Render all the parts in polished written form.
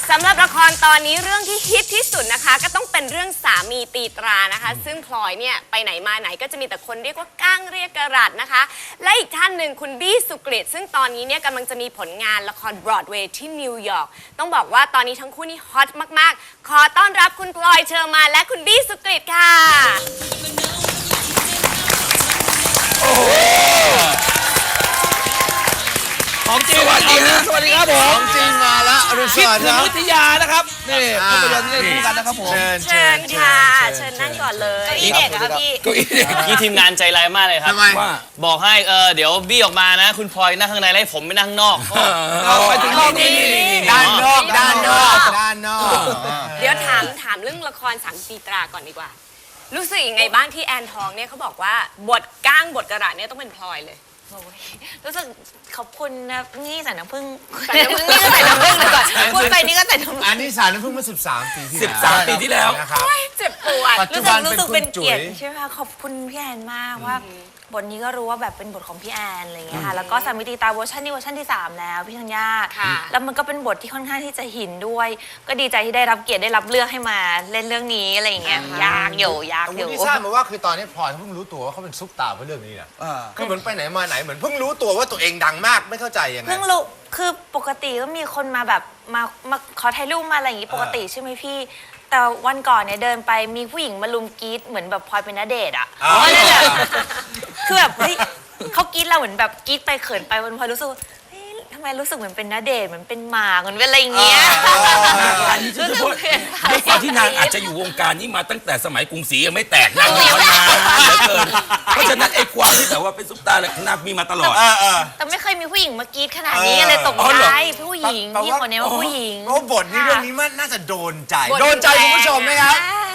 สำหรับละครตอนนี้เรื่องที่ฮิตที่สุดนะคะก็ต้องเป็นเรื่องสามีตีตรานะคะซึ่งพลอยเนี่ยไปไหนมาไหนก็จะมีแต่คนเรียกว่าก้างเรียกกระรัดนะคะและอีกท่านหนึ่งคุณบี้สุกฤตซึ่งตอนนี้เนี่ยกำลังจะมีผลงานละครบรอดเวย์ที่นิวยอร์กต้องบอกว่าตอนนี้ทั้งคู่นี่ฮอตมากๆขอต้อนรับคุณพลอยเชอร์มานและคุณบี้สุกฤตค่ะของจริงสวัสดีครับสวัสดีครับผมของจริงมาแล้วอรุณสวัสดิ์ครับวิทยานะครับนี่ภาพยนตร์ที่เล่นคู่กันนะครับผมเชิญค่ะเชิญนั่งก่อนเลยเก้าอี้เด็กครับพี่พี่ทีมงานใจร้ายมากเลยครับทำไมบอกให้เดี๋ยวบี้ออกมานะคุณพลอยนั่งข้างในแล้วผมไม่นั่งข้างนอกไปถึงนี่ด้านนอกเดี๋ยวถามเรื่องละครสามตีตราก่อนดีกว่ารู้สึกยังไงบ้างที่แอนทองเนี่ยเขาบอกว่าบทก้างบทกระดาษเนี่ยต้องเป็นพลอยเลยรู้สึกขอบคุณนะนี่ใส่น้ำผึ้งใส่น้ำผึ้งนี่ก็ใส่น้ำผึ้งเลยก่อนพูดไปนี่ก็ใส่น้ำผึ้งอันนี้สารน้ำผึ้งมา13 ปีที่แล้ว 13 ปีที่แล้วนะครับเจ็บปวดรู้สึกเป็นเกียรติใช่ไหมคะขอบคุณพี่แอนมากว่าบทนี้ก็รู้ว่าแบบเป็นบทของพี่แอนอะไรอย่างเงี้ยค่ะแล้วก็สามีตีตาเวอร์ชันนี้เวอร์ชันที่3แล้วพี่ธัญญาแล้วมันก็เป็นบทที่ค่อนข้างที่จะหินด้วยก็ดีใจที่ได้รับเกียรติได้รับเลือกให้มาเล่นเรื่องนี้อะไรอย่างเงี้ยยากอยู่ที่ทราบมาว่าคือตอนนี้พลอยเพิ่งรู้ตัวว่าเขาเป็นซุปตาร์เพราะเรื่องนี้นะคือเหมือนไปไหนมาไหนเหมือนเพิ่งรู้ตัวว่าตัวเองดังมากไม่เข้าใจยังไงเพิ่งรู้คือปกติก็มีคนมาแบบมาขอถ่ายรูปมาอะไรอย่างงี้ปกติใช่ไหมพี่แต่วันก่อนเนี่ยเดินไปมีผู้หญิงมาลุมกรี๊ดเหมือนแบบพลอยเป็นณเดชน์อ่ะนั่นแหละคือแบบเฮ้ยเขากรี๊ดเราเหมือนแบบกรี๊ดไปเขินไปวันพลอยรู้สึกทำไมรู้สึกเหมือนเป็นณเดชน์เหมือนเป็นหมาเหมือนเป็นอะไรอย่างเงี้ยอันนี้คือด้วยความที่นางอาจจะอยู่วงการนี้มาตั้งแต่สมัยกรุงศรียังไม่แตกนางอยู่มานานเหลือเกินเพราะฉะนั้นไอ้ความที่แบบว่าเป็นซุปตาร์นางมีมาตลอดแต่ไม่เคยมีผู้หญิงมากรี๊ดขนาดนี้เลยตกใจผู้หญิงที่คนนี้ว่าผู้หญิงเพราะบทนี้เรื่องนี้มันน่าจะโดนใจคุณผู้ชมไหมครับ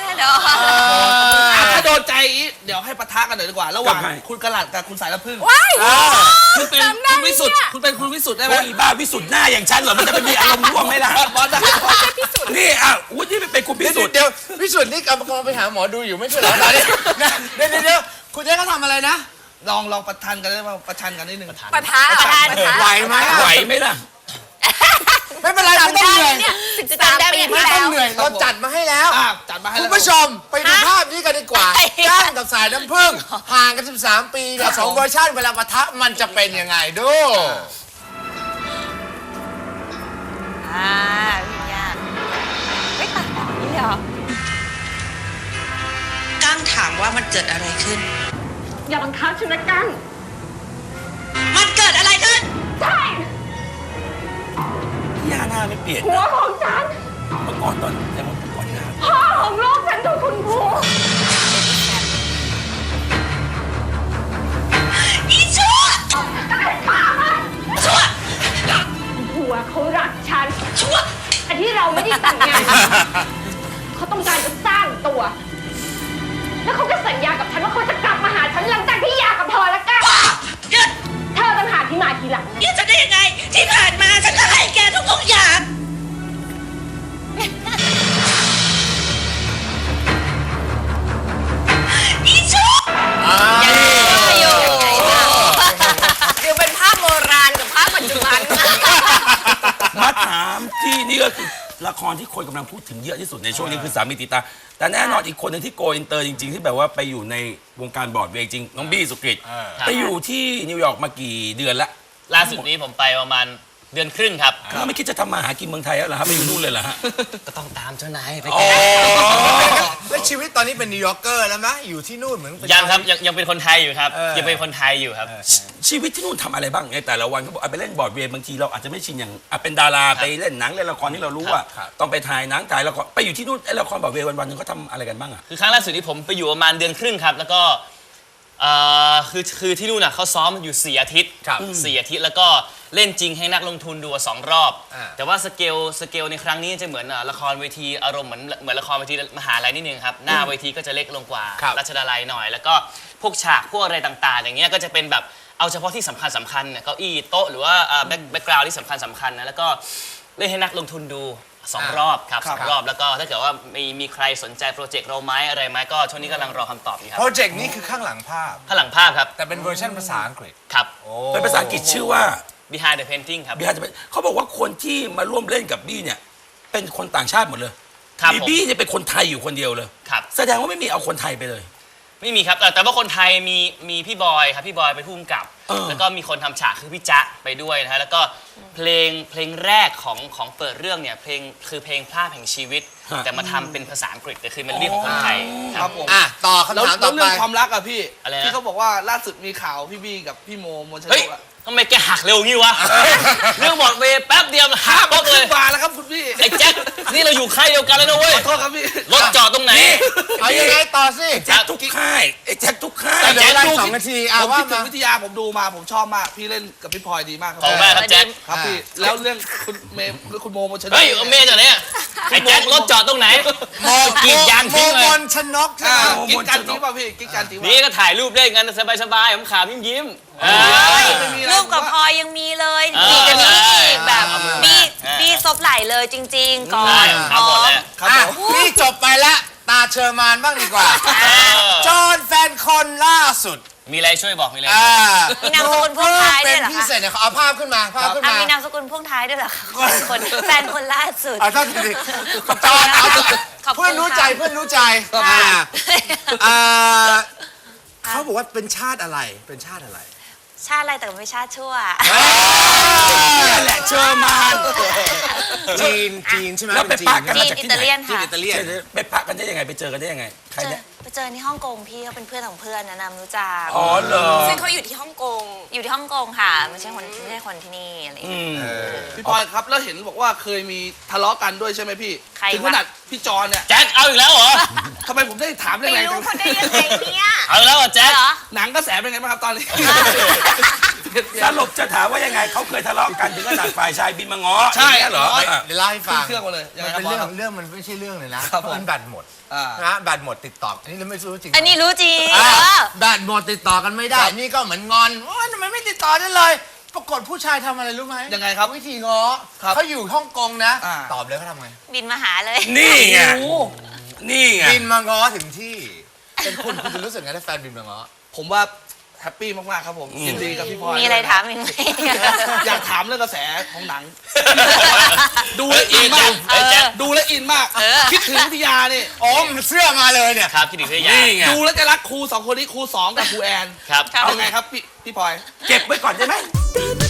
ถ้าโดนใจเดี๋ยวให้ปะทะกันหน่อยดีกว่าระหว่างคุณกระหลัดกับคุณสายน้ำผึ้งคุณเป็นคุณวิสุทธ์คุณเป็นคุณวิสุทธ์ได้ไหมอีบ้าวิสุทธ์หน้าอย่างฉันเหรอมันจะไปมีอารมณ์ร่วมไหมล่ะนี่วุฒิเป็นคุณพิสุทธ์เดี๋ยวพิสุทธ์นี่กำลังไปหาหมอดูอยู่ไม่ใช่เหรอตอนนี้เดี๋ยวคุณเจ๊เขาทำอะไรนะลองประชันกันได้ไหมประชันกันนิดนึงปะทะไหวไหมล่ะไม่เป็นไรไม่ต้องเหนื่อย 13 ปีไม่ต้องเหนื่อยเราจัดมาให้แล้วคุณผู้ชมไปดูภาพนี้กันดีกว่าก้างกับสายน้ำผึ้งห่างกัน13 ปีกับ2เวอร์ชันเวลาปะทะมันจะเป็นยังไงดูพี่ยาไม่ตัดต่อนี่เหรอก้างถามว่ามันเกิดอะไรขึ้นอย่าบังคับฉันนะก้างมันเกิดอะไรขึ้นใช่พี่ยาหน้าไม่เปลี่ยนหัวของฉันเมื่อก่อนตอนแต่เมื่อก่อนหน้าพ่อของลูกฉันถูกคุณผัวอีชั่วชั่วผัวเขารักฉันชั่วแต่ที่เราไม่ได้แต่งงานเขาต้องการจะสร้างตัวแล้วเขาก็สัญญากับฉันว่าเขาจะกลับมาหาฉันหลังจากที่หย่ากับเธอแล้วกันเธอต่างหากที่มาทีหลังนี่จะได้ยังไงที่ผ่านมาฉันก็ให้แกทุกอย่างอีชั่วคือเป็นภาพโบราณกับภาพปัจจุบันมาถามที่นี่ก็คือละครที่คนกำลังพูดถึงเยอะที่สุดในช่วงนี้คือสามีตีตาแต่แน่นอนอีกคนหนึ่งที่โกอินเตอร์จริงๆที่แบบว่าไปอยู่ในวงการบอร์ดเวย์จริงน้องบี้สุกฤตไปอยู่ที่นิวยอร์กมากี่เดือนละล่าสุดนี้ผมไปประมาณเดือนครึ่งครับแล้วไม่คิดจะทำมาหากินเมืองไทยแล้วเหรอครับไปอยู่นู่นเลยเหรอฮะก็ต้องตามเจ้านายไปแล้วชีวิตตอนนี้เป็นนิวยอร์กเกอร์แล้วไหมอยู่ที่นู่นเหมือนยังครับยังเป็นคนไทยอยู่ครับยังเป็นคนไทยอยู่ครับชีวิตที่นู่นทำอะไรบ้างในแต่ละวันเขาบอกไปเล่นบอร์ดเวย์บางทีเราอาจจะไม่ชินอย่างเป็นดาราไปเล่นหนังเล่นละครที่เรารู้ว่าต้องไปถ่ายหนังถ่ายละครไปอยู่ที่นู่นไอ้ละครบอร์ดเวย์วันๆนึงเขาทำอะไรกันบ้างอ่ะคือครั้งล่าสุดที่ผมไปอยู่ประมาณเดือนครึ่งครับแล้วก็คือที่นู่นน่ะเขาซ้อมอยู่4 อาทิตย์4 อาทิตย์แล้วก็เล่นจริงให้นักลงทุนดู2 รอบแต่ว่าสเกลในครั้งนี้จะเหมือนละครเวทีอารมณ์เหมือนละครเวทีมหาลัยนิดนึงครับหน้าเวทีก็จะเล็กลงกว่ารัชดาลัยหน่อยแล้วก็พวกฉากพวกอะไรต่างๆอย่างเงี้ยก็จะเป็นแบบเอาเฉพาะที่สำคัญเก้าอี้โต๊ะหรือว่าแบ็คกราวด์ที่สำคัญนะแล้วก็เล่นให้นักลงทุนดู2 รอบครับ2 รอบแล้วก็ถ้าเกิดว่ามีใครสนใจโปรเจกต์เราไหมอะไรไหมก็ช่วงนี้กำลังรอคำตอบอยู่ครับโปรเจกต์นี้คือข้างหลังภาพครับแต่เป็นเวอร์ชันภาษาอังกฤษครับเป็นภาษาอังกฤษชื่อว่า Behind the Painting ครับเขาบอกว่าคนที่มาร่วมเล่นกับบี้เนี่ยเป็นคนต่างชาติหมดเลยครับบีผมบี้เนี่ยเป็นคนไทยอยู่คนเดียวเลยครับแสดงว่าไม่มีเอาคนไทยไปเลยไม่มีครับแต่ว่าคนไทยมีพี่บอยครับพี่บอยเป็นผู้กำกับ แล้วก็มีคนทำฉากคือพี่จ๊ะไปด้วยนะฮะแล้วก็เพลงแรกของเปิดเรื่องเนี่ยเพลงพลาดแห่งชีวิต แต่มาทำเป็นภาษาอังกฤษแต่คือมันเรียกของคนไทยคครัรับบผมต่อคำแล้วถามต่อไปเรื่องความรักอะพี่อะไรนะที่เขาบอกว่าล่าสุดมีข่าวพี่บี้กับพี่โมมนชนเฮ้ยกอะทำไมแกหักเร็วงี้วะเรื่องบอดเวย์แป๊บเดียวหักมาป๊อกเลขึ้ยนมาแล้วครับคุณพี่ไอ้แจ็คนี่เราอยู่ค่ายเดียวกันแล้วนะเว้ยขอโทษครับพี่รถจอดตรงไหนเอายังไงต่อสิแจ็คทุกค่ายไอ้แจ็คทุกค่ายเดี๋ยวเวลา2 นาทีผมว่าคิดถึมางวิทยาผมดูมาผมชอบมากพี่เล่นกับพี่พลอยดีมากครัขอบคุณมากครับแจ็คครับพี่แล้วเรื่องคุณเมย์คุณโมมนชนกเฮ้ยเอาเมย์จากไหนอะไอ้แจ็ครถจอดตรงไหน กรีดยางโมทิ้งเลมยนชนกใช่อ่าไหมกิ๊กกันจริงป่ะพี่กิ๊กกันจริงป่ะนี่ก็ถ่ายรูปเล่นกันสบายๆขำๆยิ้มๆไม่มีอะไรรูปกับพลอยยังมีเลยเออมีกันนี้อีกแบบเอามือบี้อ่าบี้ซบไหลเลยจริง ๆ ก่อใช่นครับหมดแล้วครับผมนี่จบไปแล้วตาเชอร์มานบ้างดีกว่า จอห์นแฟนคนล่าสุดมีอะไรช่วยบอกมีอะไรมีนามสกุลพ่วงท้ายด้วยเหรอคะเป็นพิเศษเนี่ยเขาเอาภาพขึ้นมาภาพขึ้นอ่ะมามีนามสกุลพ่วงท้ายด้วยเหรอคะคนแฟนคนล่าสุดเอาเท่าที่จอห์นเอาขอบคุณเพื่อนรู้ใจค่ะเพื่อนรู้ใจค่ะอ่าเขาบอกว่าเป็นชาติอะไรเป็นชาติอะไรชาติอะไรแต่ไม่ชาติชั่วนั่นแหละเชอร์มานจีนใช่ไหมแล้วไปจีนปะกันจีมาน จากอิที่ตาไหนเลียนจีนค่ะอิตาเลียนไปปะกันได้ยังไงไปเจอกันได้ยังไงใครเนี่ยไปเจอที่ฮ่องกงพี่เขาเป็นเพื่อนของเพื่อนแนะนำรู้จักอ๋อเหรอซึ่งเขาอยู่ที่ฮ่องกงอยู่ที่ฮ่องกงค่ะไม่ใช่คนที่นี่อะไรอย่างเงี้ยพี่พลอยครับแล้วเห็นบอกว่าเคยมีทะเลาะกันด้วยใช่ไหมพี่ใครวะถึงขนาดพี่จอนเนี่ยแจ็คเอาอีกแล้วเหรอทำไมผมได้ถามเรื่ไปองอะไรรู้จังเขาได้ยังไงเนี่ยเอาอีกแล้วเหรอแจ็คเหรอหนังกระแสเป็นไงบ้างครับตอนนี้สรุปจะถามว่ายังไงเขาเคยทะเลาะกันถึงขนาดฝ่ายชายบินมาง้อใช่อย่างเงี้ยเหรอเดี๋ยวเล่าให้ฟังเครื่องมาเลยยังมัไงนครับเป็นบอสเรื่องมันไม่ใช่เรื่องเลยนะครับผมมันแบตหมดอ่านะแบตหมดติดต่ออันนี้เราไม่รู้จริงอันนี้รู้จริงแบตหมดติดต่อกันไม่ได้ นี่ก็เหมือนงอนว่าทำไมไม่ติดต่อได้เลย ปรากฏผู้ชายทำอะไรรู้ไหมยังไงครับวิธีง้อครับเขาอยู่ฮ่องกงนะอ่าตอบเลยเขาทำไงบินมาหาเลยนี่ไงโอ้นี่ไงบินมาง้อถึงที่ เป็นคุณจะรู้สึกไงถ้าแฟนบินมาง้อผมว่าแฮปปี้มากๆครับผมยินดีกับพี่พลอยมีอะไรถามอีกไหมอยากถามเรื่องกระแสของหนัง ดูแลวอินมากเฮ้ยแจ็คดูแลวอินมาก คิดถึงวิทยานี่อ๋อมันเสื้อมาเลยเนี่ยครับคิดถึงเพื่อนยานี่ไงดูแล้วจะรักครูสองคนนี้ครูสองกับครูแอนครับยังไงครับพี่พลอยเก็บไว้ก่อนได้ไหม Baby